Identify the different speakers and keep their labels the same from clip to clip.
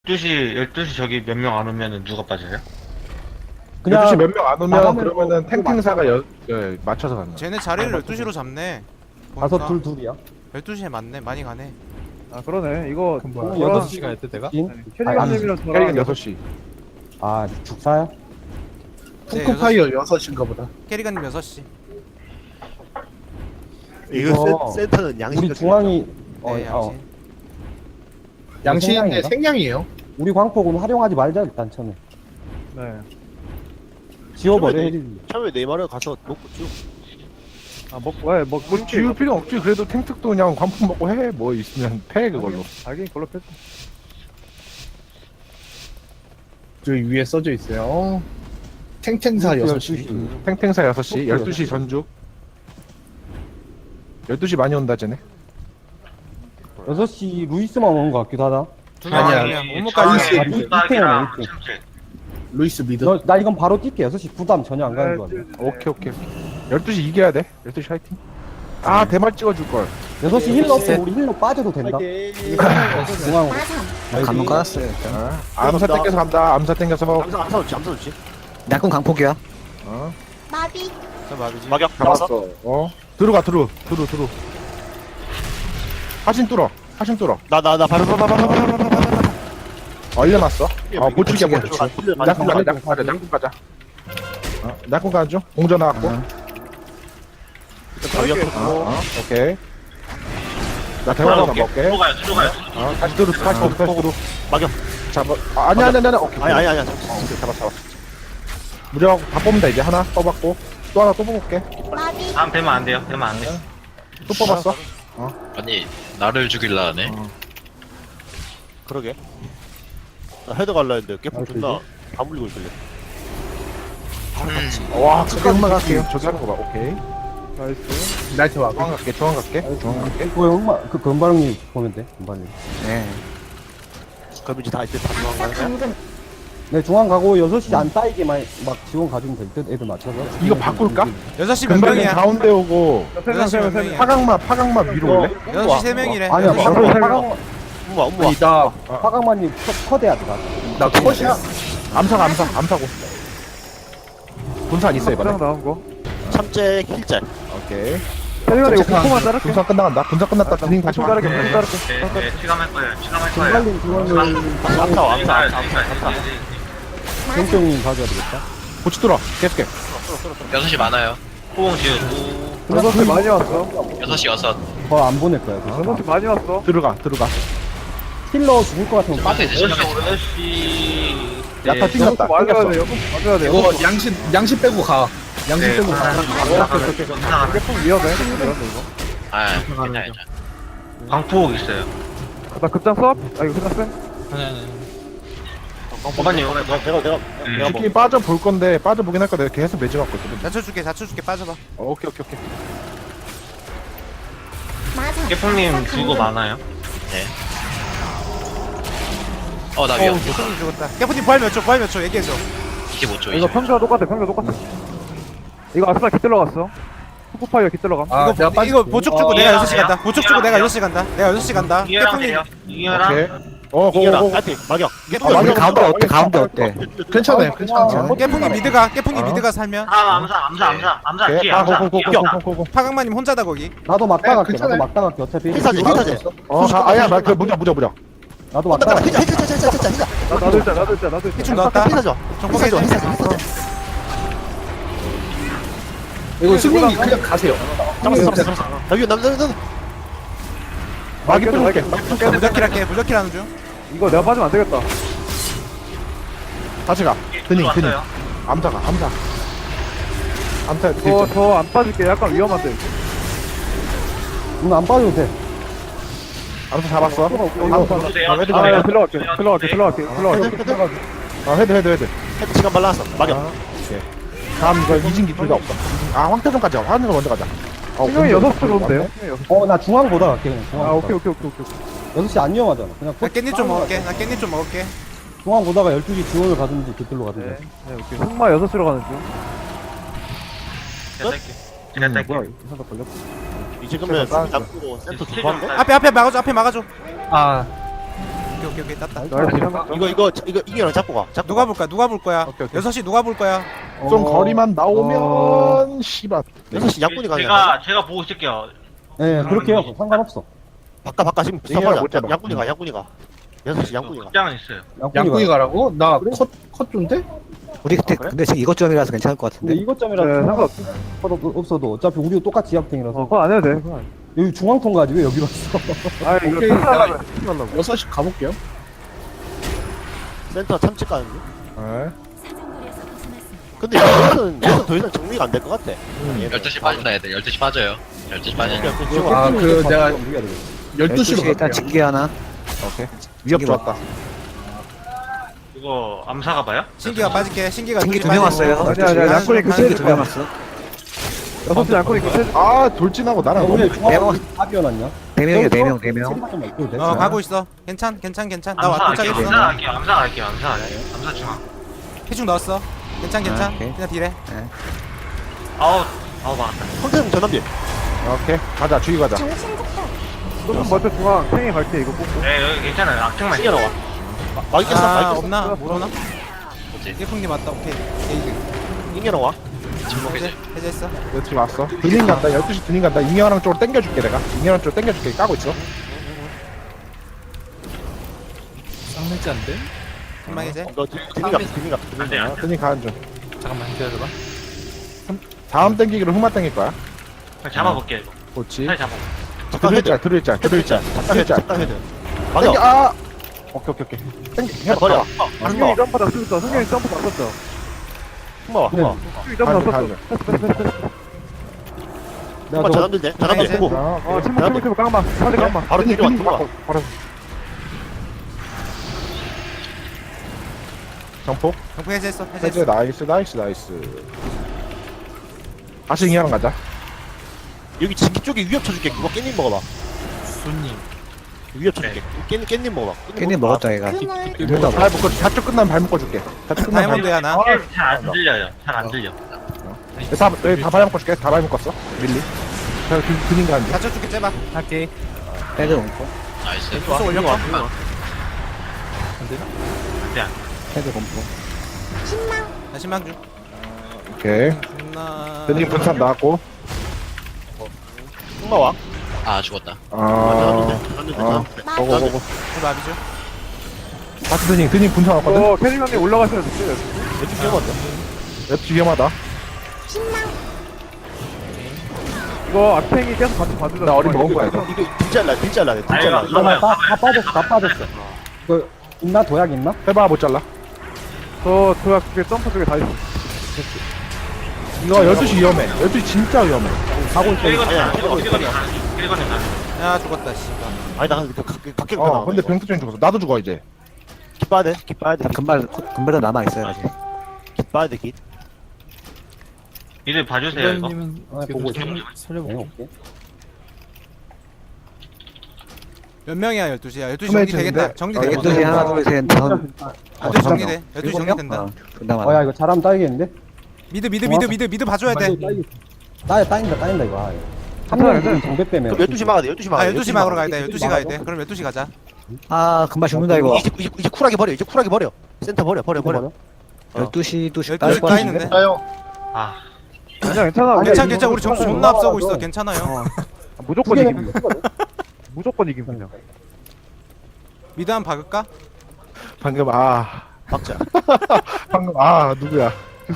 Speaker 1: 12시 저기 몇 명 안 오면은 누가 빠져요?
Speaker 2: 그냥
Speaker 3: 12시 몇 명 안 오면
Speaker 2: 나가면
Speaker 3: 그러면은
Speaker 2: 또
Speaker 3: 탱탱사가 맞춰서 가는 거야.
Speaker 4: 쟤네 자리를 12시로 잡네.
Speaker 2: 다섯
Speaker 4: 보니까.
Speaker 2: 둘이야.
Speaker 4: 12시에 맞네. 많이 가네.
Speaker 5: 아 그러네 이거
Speaker 2: 뭐야,
Speaker 5: 저랑
Speaker 2: 6시가
Speaker 6: 했대 내가?
Speaker 5: 캐리건님이랑
Speaker 3: 캐리건
Speaker 5: 저랑
Speaker 3: 6시.
Speaker 2: 아 죽사야?
Speaker 4: 네,
Speaker 6: 푸크파이어 6시인가 보다.
Speaker 4: 캐리건님 6시.
Speaker 2: 이거
Speaker 6: 센터는 양식.
Speaker 2: 우리 중앙이
Speaker 4: 네, 양신.
Speaker 6: 양식인데
Speaker 2: 생량인가?
Speaker 6: 생량이에요.
Speaker 2: 우리 광폭은 활용하지 말자 일단 처음에.
Speaker 5: 네.
Speaker 2: 지워버려 해리지.
Speaker 7: 처음에 네이마르 가서 먹고 쭉.
Speaker 5: 아 먹고 예
Speaker 3: 뭐
Speaker 5: 먹고
Speaker 3: 지울 필요 없지. 그래도 탱특도 그냥 관품 먹고 해. 뭐 있으면 패 그걸로.
Speaker 5: 알긴 걸로 뺐어.
Speaker 6: 저기 위에 써져 있어요. 탱탱사 6시.
Speaker 3: 탱탱사 6시, 12시 전주. 12시 많이 온다 쟤네.
Speaker 2: 6시 루이스만 오는 것 같기도 하다.
Speaker 6: 아니야.
Speaker 4: 오목까지.
Speaker 2: 아, 이태원이야, 이태.
Speaker 6: 루이스 미드.
Speaker 2: 나 이건 바로 뛸게. 6시 부담 전혀 안 가는 거 같아.
Speaker 3: 오케이. 12시 이겨야 돼. 12시 화이팅. 아, 대말 찍어줄 걸.
Speaker 2: 6시 힐러 없으면 우리 힐러 빠져도 된다. 중앙으로.
Speaker 8: 감문 깔았어요.
Speaker 3: 암사 땡겨서 간다. 암사 땡겨서.
Speaker 7: 암사 좋지, 암사 좋지.
Speaker 8: 약간 강폭이야.
Speaker 3: 어,
Speaker 9: 마비
Speaker 4: 저 마비지.
Speaker 7: 막역
Speaker 3: 잡았어. 들어가. 하신 뚫어.
Speaker 7: 나바로
Speaker 3: 얼려놨어. 보충이야,
Speaker 7: 나
Speaker 3: 보충. 약국 가자. 약국 가는 중. 공전 나왔고. 오케이. 나 대화가 먹게.
Speaker 1: 들어가요.
Speaker 3: 다시 들어.
Speaker 7: 막역.
Speaker 3: 잡아. 아니야. 오케이.
Speaker 7: 아니야.
Speaker 3: 오케이, 잡았어. 무력 다 뽑는다 이제. 하나 뽑았고. 또 하나 또 뽑을게.
Speaker 9: 마비
Speaker 1: 다음 되면 안 돼요.
Speaker 3: 또 뽑았어.
Speaker 10: 아니 나를 죽일라 하네.
Speaker 7: 그러게. 나 헤드 갈라 했는데
Speaker 2: 아,
Speaker 7: 깨풍 존나 안 물리고 있길래.
Speaker 3: 와, 크게 흑마 갈게요. 저기 하는 거 봐. 오케이.
Speaker 5: 나이스.
Speaker 6: 나이트 와.
Speaker 3: 중앙 갈게.
Speaker 2: 그거 흑마 그 건바령님 보면 돼. 건바령.
Speaker 3: 네.
Speaker 7: 그럼 이제 다 이제 다 중앙 가는 거야?
Speaker 9: 당근
Speaker 2: 네 중앙 가고 6시 안 따이게만 막 지원 가주면 될 듯. 애들 맞춰서.
Speaker 3: 이거 바꿀까?
Speaker 4: 6시 몇
Speaker 3: 금방에
Speaker 4: 명이야?
Speaker 3: 가운데 오고
Speaker 4: 여섯 시 몇 명이야?
Speaker 3: 파강마 위로 올래?
Speaker 4: 6시 3명이래.
Speaker 2: 아니야.
Speaker 5: 바로
Speaker 7: 엄마.
Speaker 2: 화강만님 컷해야 돼.
Speaker 6: 나 컷이야.
Speaker 3: 암사고. 분산 있어
Speaker 5: 부장
Speaker 3: 이번에.
Speaker 5: 나온 거.
Speaker 7: 참재 힐짤.
Speaker 3: 오케이.
Speaker 5: 캐리건 이거 공포만 자를게.
Speaker 3: 분산 끝나간다. 분산 끝났다. 드링 다시
Speaker 5: 자를게.
Speaker 3: 와.
Speaker 5: 자를게.
Speaker 1: 네, 치감할 거예요.
Speaker 2: 건발님 중앙을
Speaker 7: 암사.
Speaker 2: 정병님 가져야 되겠다.
Speaker 3: 고치 뚫어. 계속해.
Speaker 10: 6시 많아요.
Speaker 1: 호응 지우고
Speaker 5: 6시 많이 왔어.
Speaker 10: 6시 6.
Speaker 2: 더 안 보낼 거야. 그래서.
Speaker 5: 6시 많이 왔어.
Speaker 3: 들어가.
Speaker 2: 힐러 죽을 것 같으면
Speaker 10: 빠져 이제 시작해.
Speaker 1: 8시
Speaker 3: 야타 튕겼다.
Speaker 5: 맞아야
Speaker 3: 튕겼어.
Speaker 5: 돼. 맞아야 돼.
Speaker 6: 이거 양식 빼고 가. 양식 빼고 가.
Speaker 5: 깨풍 위험해. 이거.
Speaker 10: 아, 괜찮아.
Speaker 1: 방폭 있어요.
Speaker 5: 나 급장 써? 아 이거 끝났어?
Speaker 1: 오반님
Speaker 7: 내가 뭐.
Speaker 3: 치킨 빠져 볼 건데 빠져 보긴 할 거야. 내가 계속 매지 맞거든.
Speaker 4: 낮춰줄게. 빠져봐.
Speaker 3: 오케이.
Speaker 9: 마사
Speaker 1: 깨풍님 주고 많아요.
Speaker 10: 나 위험.
Speaker 4: 깨프님 죽었다. 깨프님 부활 몇 초? 얘기해줘.
Speaker 10: 25초
Speaker 5: 이거
Speaker 10: 이제.
Speaker 5: 평소와 똑같아. 이거 아스나 깃 들어갔어. 푸크파이어 깃 들어감.
Speaker 6: 아, 내가 빠지.
Speaker 4: 이거 보촉 주고 내가 6시
Speaker 1: 이겨라.
Speaker 4: 간다. 보촉 주고 내가 6시 간다. 내가 6시 간다.
Speaker 1: 이해랑
Speaker 4: 깨프님
Speaker 1: 돼요. 이해랑
Speaker 3: 오케이.
Speaker 7: 이겨라.
Speaker 3: 고고고.
Speaker 7: 파이팅. 막역.
Speaker 8: 우리 가운데 어때? 가운데 어때?
Speaker 6: 괜찮아요. 괜찮아.
Speaker 4: 깨프님 미드가 살면
Speaker 1: 암사
Speaker 3: 오케이.
Speaker 1: 뒤에
Speaker 3: 아,
Speaker 1: 암사.
Speaker 3: 고고고고고고.
Speaker 4: 파강마님 혼자다 거기.
Speaker 2: 나도 막다 갈게.
Speaker 6: 괜찮아요.
Speaker 2: 나도 막다 갈게. 어차피
Speaker 7: 힐사지.
Speaker 3: 아야, 나 그 무적.
Speaker 2: 나도 막다 갈게.
Speaker 5: 나도 있자.
Speaker 4: 피충 넣었다.
Speaker 7: 힐사죠.
Speaker 4: 정복해줘.
Speaker 6: 이거 승민이 그냥 가세요.
Speaker 7: 잡았어. 여기 남자.
Speaker 3: 막이 뚫을게.
Speaker 4: 무적킬 할게. 무적킬 하는 중.
Speaker 5: 이거 내가 빠지면 안 되겠다.
Speaker 3: 다시 가. 드닝.
Speaker 1: 왔어요.
Speaker 3: 암사. 암사
Speaker 5: 이거 저 안 빠질게. 약간 위험한데.
Speaker 2: 안 빠져도 돼.
Speaker 3: 암사 잡았어. 헤드
Speaker 5: 아, 야,
Speaker 3: 가.
Speaker 5: 들어갈게.
Speaker 3: 헤드.
Speaker 7: 헤드 시간 발라놨어. 막역.
Speaker 3: 다음 이거 이진기 둘 다 없어. 황태성까지 가. 황태성 먼저 가자.
Speaker 5: 신경이 6시로 온대요.
Speaker 2: 나 중앙 보다 갈게. 그냥 중앙.
Speaker 5: 아, 오케이.
Speaker 2: 6시 안 위험하잖아. 그냥
Speaker 4: 나 깻잎 좀 먹을게.
Speaker 2: 중앙 보다가 12시 지원을 가든지 깃들로 가든지.
Speaker 5: 네, 오케이. 흑마 6시로 가는 중.
Speaker 1: 제가 딸게.
Speaker 2: 뭐야, 이사가 걸렸어.
Speaker 7: 이제 그러면 수비 잡고 센터 두번 거?
Speaker 4: 앞에 막아줘.
Speaker 6: 아,
Speaker 4: 오케이 땄다.
Speaker 7: 이거 이겨랑 잡고 가. 잡고
Speaker 4: 누가 볼 거야? 누가 볼 거야?
Speaker 3: 오케이, 오케이.
Speaker 4: 6시 누가 볼 거야?
Speaker 3: 좀 거리만 나오면 씨발
Speaker 7: 6시 양꾼이 가냐?
Speaker 1: 제가 보고 있을게요.
Speaker 2: 네, 그렇게 해요. 상관없어.
Speaker 7: 바꿔 지금
Speaker 3: 이겨라,
Speaker 7: 바꿔.
Speaker 3: 못 잡아.
Speaker 7: 양꾼이 가. 6시 양꾼이 가.
Speaker 1: 극장은 있어요.
Speaker 6: 양꾼이 가라고? 나 컷 좀데?
Speaker 8: 우리 그때 근데 지금 이것점이라서 괜찮을 것
Speaker 2: 근데
Speaker 8: 같은데.
Speaker 2: 이것점이라
Speaker 5: 네,
Speaker 2: 없어도 어차피 우리도 똑같이 약탱이라서
Speaker 5: 그건 안 해도 돼. 그건 안 해.
Speaker 2: 여기 중앙통 가지 왜 여기 왔어?
Speaker 5: 아, 이거
Speaker 6: 오케이,
Speaker 5: 하려고.
Speaker 6: 6시 가볼게요.
Speaker 7: 센터 참치 가는데.
Speaker 3: 네.
Speaker 7: 근데 여기서는 더 이상 정리가 안 될 것 같아.
Speaker 10: 12시 빠진다 애들 12시 빠져요 12시 빠진다
Speaker 6: 아, 그 내가
Speaker 2: 우리가 되겠어.
Speaker 6: 12시로
Speaker 8: 12시에 일단
Speaker 6: 갈게요.
Speaker 8: 징계 하나.
Speaker 3: 오케이. 위협
Speaker 8: 징계
Speaker 3: 좋았다.
Speaker 1: 이거 암사가 봐요?
Speaker 4: 신기가 빠질게. 신기가
Speaker 8: 징계
Speaker 4: 둘이
Speaker 8: 2명
Speaker 4: 빠지고.
Speaker 8: 왔어요.
Speaker 5: 아니야, 아니야, 양권이 그
Speaker 8: 징계
Speaker 5: 세줄
Speaker 8: 2명
Speaker 5: 거야.
Speaker 8: 왔어.
Speaker 5: 6시 양권이 그 세줄
Speaker 3: 아 돌진하고 나랑
Speaker 2: 우리
Speaker 3: 너무
Speaker 2: 중앙통 다 비워놨냐?
Speaker 8: 4명이야 4명.
Speaker 4: 가고 있어. 괜찮. 나
Speaker 1: 암사 할게요.
Speaker 4: 도착했어.
Speaker 1: 암사 할게요. 암사 중앙.
Speaker 4: 해중 넣었어. 괜찮.
Speaker 8: 오케이.
Speaker 4: 그냥 딜해.
Speaker 1: 아우 막았다.
Speaker 7: 황태성 전남비.
Speaker 3: 오케이 가자 주의 가자.
Speaker 9: 정신 적다.
Speaker 5: 좀 먼저 중앙 탱이 갈게 이거 뽑고.
Speaker 1: 네 여기 괜찮아요. 악탱만
Speaker 7: 신기가 나와. 막이 깼어.
Speaker 4: 아,
Speaker 7: 막이 깼어.
Speaker 4: 없나? 모르나?
Speaker 10: 뭐지?
Speaker 4: 예풍님 왔다. 오케이. 게이드.
Speaker 7: 인기가 나와.
Speaker 4: 해제했어.
Speaker 3: 여기 왔어. 드닝 간다. 12시 드닝 간다. 잉여랑 쪽으로 당겨줄게 내가. 잉여랑 쪽으로 당겨줄게. 까고 있어.
Speaker 4: 한방 해제.
Speaker 7: 너 드니가.
Speaker 1: 안돼
Speaker 3: 아,
Speaker 1: 안돼.
Speaker 3: 드닝 가는 중.
Speaker 1: 잠깐만 기다려봐.
Speaker 3: 다음 당기기로 흑마 당길 거야.
Speaker 1: 잡아볼게 이거.
Speaker 3: 그렇지.
Speaker 1: 잘 잡아.
Speaker 7: 잠깐 헤드.
Speaker 3: 들을자.
Speaker 7: 잠깐 헤드.
Speaker 3: 당겨.
Speaker 7: 막아.
Speaker 3: 아. 오케이. 당겨. 해봐.
Speaker 7: 버려.
Speaker 5: 승경이 점프 다 쓰겠어. 승경이 점프 다 썼어.
Speaker 7: 흠마.
Speaker 5: 승경이 점프 다 썼어.
Speaker 3: 가는
Speaker 2: 내가
Speaker 7: 흠마
Speaker 2: 저거
Speaker 7: 전남비 돼. 전남비
Speaker 4: 해제.
Speaker 7: 보고.
Speaker 5: 어, 침묵 깡마. 사대 깡마.
Speaker 7: 바로 뒤로 와.
Speaker 3: 바로. 정폭.
Speaker 4: 경풍 해제했어.
Speaker 3: 해제
Speaker 4: 해제했어.
Speaker 3: 나이스. 다시 잉여랑 가자.
Speaker 7: 여기 지기 쪽에 위협 쳐줄게. 그거 깻잎 먹어봐. 순님. 위협 쳐줄게. 깻잎 먹어봐.
Speaker 8: 깻잎 먹었다 얘가.
Speaker 9: 그물.
Speaker 3: 발 묶어. 다쪽 끝나면 발 묶어줄게. 다쪽 끝나면
Speaker 4: 다이아몬드야 나.
Speaker 1: 잘안 들려요. 잘 안 들려.
Speaker 3: 다발 묶어줄게. 다발 묶었어. 밀리. 자, 드닝 가는 중.
Speaker 4: 다쳐 줄게 째봐. 할게.
Speaker 8: 헤드 공포.
Speaker 10: 나이스
Speaker 4: 소스 올려봐.
Speaker 8: 헤드 공포.
Speaker 9: 신망.
Speaker 4: 나 신망 중.
Speaker 3: 오케이.
Speaker 4: 나.
Speaker 3: 드닝 분산 나왔고.
Speaker 7: 흠마 와.
Speaker 10: 아 죽었다
Speaker 7: 전남비.
Speaker 3: 고고고고.
Speaker 4: 마비죠.
Speaker 3: 다시 드닝 분산 왔거든.
Speaker 5: 어, 캐리 형님 올라가셔야 돼.
Speaker 7: 왼쪽 위험한데.
Speaker 3: 랩 위험하다.
Speaker 9: 신망.
Speaker 5: 이거 악탱이 계속 같이 봐주자.
Speaker 3: 나 어린 먹은 거야 이거.
Speaker 7: 이거 딜잘라.
Speaker 1: 이거
Speaker 2: 다 빠졌어. 그 있나 도약 있나?
Speaker 3: 해봐 못 잘라.
Speaker 5: 저 그게 점프 쪽에 다 있어.
Speaker 3: 이거 12시 위험해. 12시 진짜 위험해.
Speaker 2: 가고 있어.
Speaker 1: 길거리
Speaker 4: 야 죽었다 씨.
Speaker 7: 아니 나 각계
Speaker 3: 근데 병투증 죽었어. 나도 죽어 이제.
Speaker 7: 깃 봐야 돼.
Speaker 8: 금발도 남아 있어요 아직.
Speaker 7: 깃 봐야 돼. 깃.
Speaker 1: 이들 봐주세요 이거.
Speaker 2: 보고 있어. 네, 오케이.
Speaker 4: 몇 명이야 12시야. 12시
Speaker 3: 숨어
Speaker 4: 정리 되겠다.
Speaker 3: 있는데?
Speaker 4: 정리돼.
Speaker 8: 12시 하나 둘셋 다섯.
Speaker 4: 12시 정리돼. 12시 정리된다.
Speaker 8: 존나
Speaker 2: 야
Speaker 8: 많아.
Speaker 2: 이거 잘하면 따이겠는데?
Speaker 4: 미드 봐줘야 돼.
Speaker 2: 따인다 이거. 한 명이 정배 빼면.
Speaker 7: 그럼 12시 막아야 돼. 12시 막아야
Speaker 4: 아
Speaker 7: 돼.
Speaker 4: 12시 막으러 가야 돼. 12시 가야 돼. 그럼 12시 가자.
Speaker 8: 아 금발 죽는다 이거.
Speaker 7: 이제 쿨하게 버려. 이제 쿨하게 버려. 센터 버려.
Speaker 8: 12시도
Speaker 4: 12시 까 있는데.
Speaker 1: 아
Speaker 5: 괜찮아.
Speaker 4: 괜찮. 우리 점수 존나 앞서고 있어. 괜찮아요.
Speaker 5: 무조건 이깁니다. 무조건 이김 그냥.
Speaker 4: 미드 한 박을까?
Speaker 3: 방금
Speaker 7: 박자.
Speaker 3: 방금 누구야?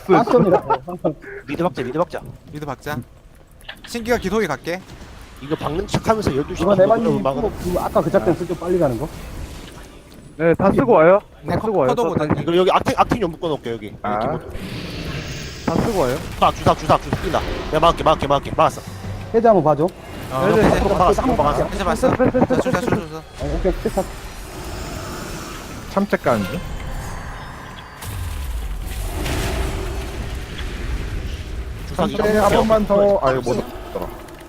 Speaker 7: 미드 박자.
Speaker 4: 미드 박자. 신기가 기속에 갈게.
Speaker 7: 이거 박는 척하면서 12시
Speaker 2: 이거 내만님
Speaker 7: 막아.
Speaker 2: 아까 그 작전 쓸 때 빨리 가는 거?
Speaker 5: 네, 다 쓰고 와요. 다 쓰고 와요.
Speaker 4: 커도 못한.
Speaker 7: 이거 여기 악팅 좀 묶어 놓을게 여기.
Speaker 3: 아.
Speaker 5: 다 쓰고 와요.
Speaker 7: 주사 뛴다. 내가 막을게. 막았어.
Speaker 2: 해제 한번 봐줘.
Speaker 4: 해제.
Speaker 7: 막았어.
Speaker 4: 해제 봤어. 자.
Speaker 2: 오케이 끝.
Speaker 3: 참책 가는 중.
Speaker 7: 주사
Speaker 3: 네, 한 번만 더. 이거 못 넣었더라.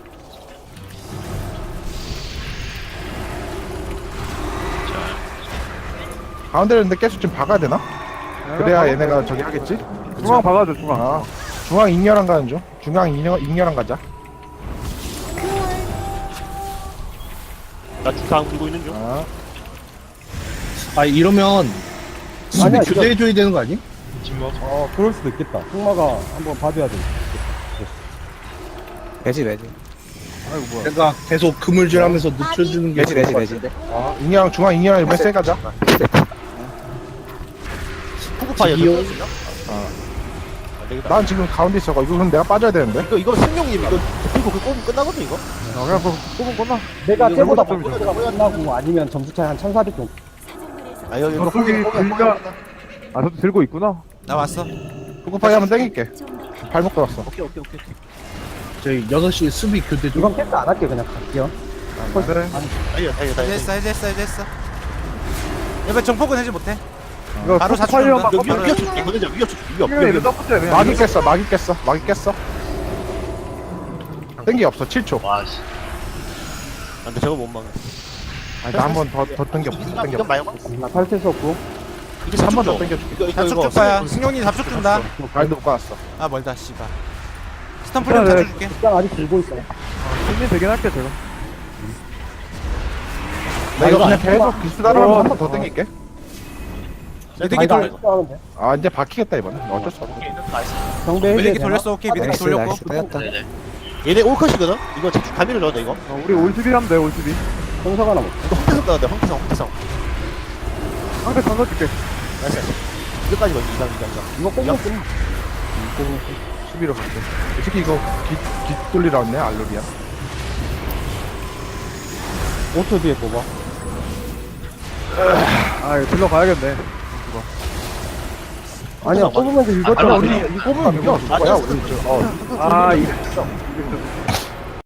Speaker 3: 가운데를 근데 계속 좀 박아야 되나? 그래야 얘네가 저기 하겠지?
Speaker 5: 중앙 박아줘, 중앙.
Speaker 3: 중앙 잉여랑 가는 중. 중앙 잉여랑 가자.
Speaker 7: 나 주사 안 들고 있는 중.
Speaker 6: 아 이러면 수비
Speaker 2: 아니야,
Speaker 6: 교대해줘야 되는 거 아니?
Speaker 1: 침묵.
Speaker 2: 그럴 수도 있겠다. 흑마가 한번 봐줘야 돼.
Speaker 8: 매지.
Speaker 6: 내가 계속 그물질하면서 늦춰주는 게
Speaker 8: 매지.
Speaker 3: 아, 인양 중앙 인양 이번에 세 가자.
Speaker 7: 푸구파이어
Speaker 6: 지기요?
Speaker 7: 안 되겠다.
Speaker 3: 난 지금 가운데 있어가. 이거 그럼 내가 빠져야 되는데.
Speaker 7: 이거 승용님 이거 그리고 그 꼽으면 끝나거든 이거.
Speaker 5: 그냥 뽑은 거나?
Speaker 2: 내가
Speaker 5: 이거
Speaker 2: 쟤보다
Speaker 5: 좀
Speaker 2: 먼저 끝나고 아니면 점수 차이 한 1400 정도.
Speaker 7: 아 여기 이거
Speaker 5: 거기 불가 아 저도 들고 있구나.
Speaker 4: 나 왔어.
Speaker 3: 푸구파이 한번 땡길게. 발목 들었어.
Speaker 7: 오케이.
Speaker 6: 저희 6시 수비 교대 좀.
Speaker 2: 이건 캐스 안 할게 그냥 갈게요.
Speaker 5: 그래.
Speaker 4: 해제 했어. 이번 정폭은 해지 못해.
Speaker 5: 이거
Speaker 4: 바로
Speaker 5: 파이어 막
Speaker 4: 사출한다.
Speaker 7: 위협 줄게. 보내자 위협 줄게. 위협.
Speaker 5: 이거 서포트야 그냥.
Speaker 3: 막이 깼어. 땡기 없어. 7초.
Speaker 10: 와씨
Speaker 7: 안돼 저거 못 막아.
Speaker 3: 아니, 나 한 번 더 땡겨.
Speaker 7: 이건 말고
Speaker 2: 나 탈퇴수 없고.
Speaker 7: 이게
Speaker 3: 한 번 더
Speaker 7: 4초
Speaker 3: 땡겨줄게.
Speaker 4: 잡축 줄 거야. 승용이 잡축 준다.
Speaker 3: 라인도 못 가놨어.
Speaker 4: 아 멀다 씨발. 스턴플레임 잡축 줄게.
Speaker 2: 입장 아직 들고 있어.
Speaker 5: 승리 되긴 할게 제가.
Speaker 3: 나 이거 그냥 계속 기수다로 한 번 더 땡길게.
Speaker 4: 미드기 돌
Speaker 2: 하는데.
Speaker 3: 아, 이제 박히겠다, 이번엔. 어쩔 수 없어.
Speaker 2: 경배 해제.
Speaker 4: 미드기 돌렸어. 오케이 미드기
Speaker 8: 나이스
Speaker 4: 돌렸고.
Speaker 8: 나이스 빠졌다.
Speaker 10: 네네
Speaker 7: 얘네 올컷이거든. 이거 자축 가미를 넣어야 돼 이거.
Speaker 5: 우리 올수비 하면 돼 올수비.
Speaker 2: 정사가 남았어.
Speaker 7: 이거 황태성 넣어야 돼. 황태성.
Speaker 5: 상대 던져줄게.
Speaker 7: 나이스. 이거까지 넣어. 이상.
Speaker 2: 이거 꽁꽁 끊.
Speaker 3: 수비로 갈게. 이 새끼 이거 기 돌리라 왔네, 알루리아.
Speaker 2: 5초 뒤에 뽑아.
Speaker 5: 아 이거 들러 가야겠네.
Speaker 2: 아니야, 뽑으면서
Speaker 10: 바로
Speaker 2: 이것저것
Speaker 10: 안
Speaker 3: 우리
Speaker 10: 돼.
Speaker 3: 이거 뽑으면 이겨. 뭐야, 우리.
Speaker 5: 아 이랬어.